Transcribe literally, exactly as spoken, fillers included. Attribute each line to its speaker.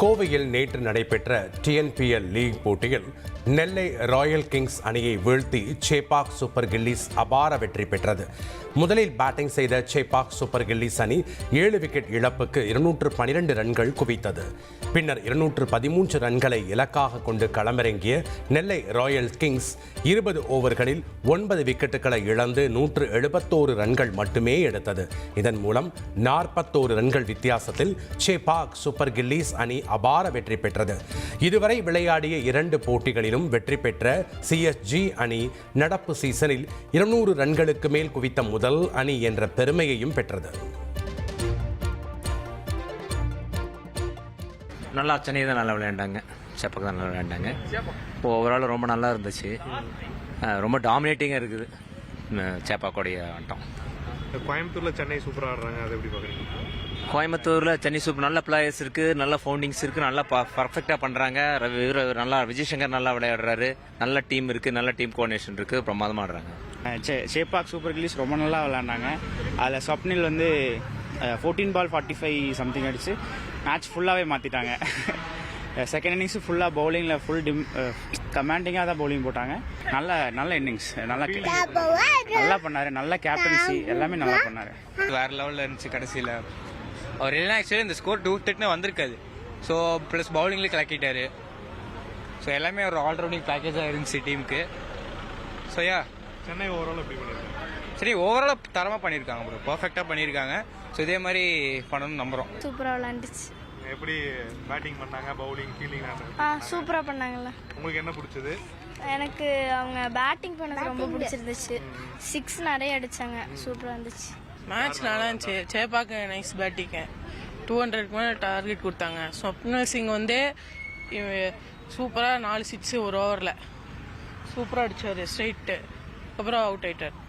Speaker 1: கோவையில் நேற்று நடைபெற்ற டிஎன்பிஎல் லீக் போட்டியில் நெல்லை ராயல் கிங்ஸ் அணியை வீழ்த்தி சேப்பாக் சூப்பர் கில்லிஸ் அபார வெற்றி பெற்றது. முதலில் பேட்டிங் செய்த சேப்பாக் சூப்பர் கில்லிஸ் அணி ஏழு விக்கெட் இழப்புக்கு இருநூற்று பனிரெண்டு ரன்கள் குவித்தது. பின்னர் இருநூற்று பதிமூன்று ரன்களை இலக்காக கொண்டு களமிறங்கிய நெல்லை ராயல் கிங்ஸ் இருபது ஓவர்களில் ஒன்பது விக்கெட்டுகளை இழந்து நூற்று எழுபத்தோரு ரன்கள் மட்டுமே எடுத்தது. இதன் மூலம் நாற்பத்தோரு ரன்கள் வித்தியாசத்தில் சேப்பாக் சூப்பர் கில்லிஸ் அணி அபார வெற்றி பெற்றது. இதுவரை விளையாடிய இரண்டு போட்டிகளிலும் வெற்றி பெற்ற சிஎஸ்ஜி அணி நடப்பு சீசனில் இருநூறு ரன்களுக்கு மேல் குவித்த முதல் அணி என்ற பெருமையையும் பெற்றது.
Speaker 2: நல்லா சென்னை தான் நல்லா விளையாண்டாங்க, சேப்பாக்கு தான் நல்லா விளையாண்டாங்க. இப்போ ஓவரால் ரொம்ப நல்லா இருந்துச்சு, ரொம்ப டாமினேட்டிங்காக இருக்குது சேப்பாக்கோடைய ஆட்டம்.
Speaker 3: கோயம்புத்தூரில் சென்னை சூப்பராக ஆடுறாங்க, அதை எப்படி பார்க்குறீங்க?
Speaker 2: கோயம்புத்தூரில் சென்னை சூப்பர் நல்ல பிளேயர்ஸ் இருக்குது, நல்ல ஃபவுண்டிங்ஸ் இருக்குது, நல்லா பர்ஃபெக்டாக பண்ணுறாங்க. நல்லா விஜய் சங்கர் நல்லா விளையாடுறாரு, நல்ல டீம் இருக்குது, நல்ல டீம் கோஆர்டினேஷன் இருக்குது, பிரமாதமாக ஆடுறாங்க.
Speaker 4: சேப்பாக் சூப்பர் கில்லிஸ் ரொம்ப நல்லா விளையாண்டாங்க. அதில் ஸ்வப்னில் வந்து fourteen ball forty five something அடிச்சு மேட்ச் ஃபுல்லாகவே மாற்றிட்டாங்க. செகண்ட் இன்னிங்ஸு ஃபுல்லாக பவுலிங்கில் ஃபுல் டிம் கமாண்டிங்காக தான் பவுலிங் போட்டாங்க. நல்ல நல்ல இன்னிங்ஸ், நல்லா நல்லா பண்ணார், நல்ல கேப்டன்சி, எல்லாமே நல்லா பண்ணார்.
Speaker 5: வேறு லெவலில் இருந்துச்சு. கடைசியில் அவர் இல்லைனா ஆக்சுவலி இந்த ஸ்கோர் டூ டெட்னு வந்திருக்காது. ஸோ ப்ளஸ் பவுலிங்லேயே கலக்கிட்டாரு. ஸோ எல்லாமே ஒரு ஆல்ரவுண்டிங் பேக்கேஜாக இருந்துச்சு டீமுக்கு. ஸோ யா
Speaker 3: சென்னை ஓவரால் எப்படி பண்ணியிருக்காங்க?
Speaker 5: சரி, ஓவராலாக தரமாக பண்ணியிருக்காங்க ப்ரோ, பர்ஃபெக்டாக பண்ணியிருக்காங்க. ஸோ இதே மாதிரி பண்ணணும்னு நம்புகிறோம்.
Speaker 6: சூப்பராக விளையாண்டுச்சு.
Speaker 3: எப்படி பேட்டிங் பண்ணாங்க, பவுலிங், ஃபீல்டிங்?
Speaker 6: ஆ சூப்பராக பண்ணாங்கல்ல.
Speaker 3: உங்களுக்கு என்ன பிடிச்சது?
Speaker 6: எனக்கு அவங்க பேட்டிங் பண்ணது ரொம்ப பிடிச்சிருந்துச்சு. சிக்ஸ் நிறைய அடிச்சாங்க, சூப்பராக இருந்துச்சு.
Speaker 7: மேட்ச் நல்லா இருந்துச்சு. சேப்பாக்கு நைஸ் பேட்டிங்க, டூ ஹண்ட்ரட்க்கு மேலே டார்கெட் கொடுத்தாங்க. ஸ்வப்னல் சிங் வந்து சூப்பராக நாலு சிக்ஸு ஒரு ஓவரில் சூப்பராக அடித்தார் ஸ்ட்ரைட்டு, அப்புறம் அவுட் ஆயிட்டார்.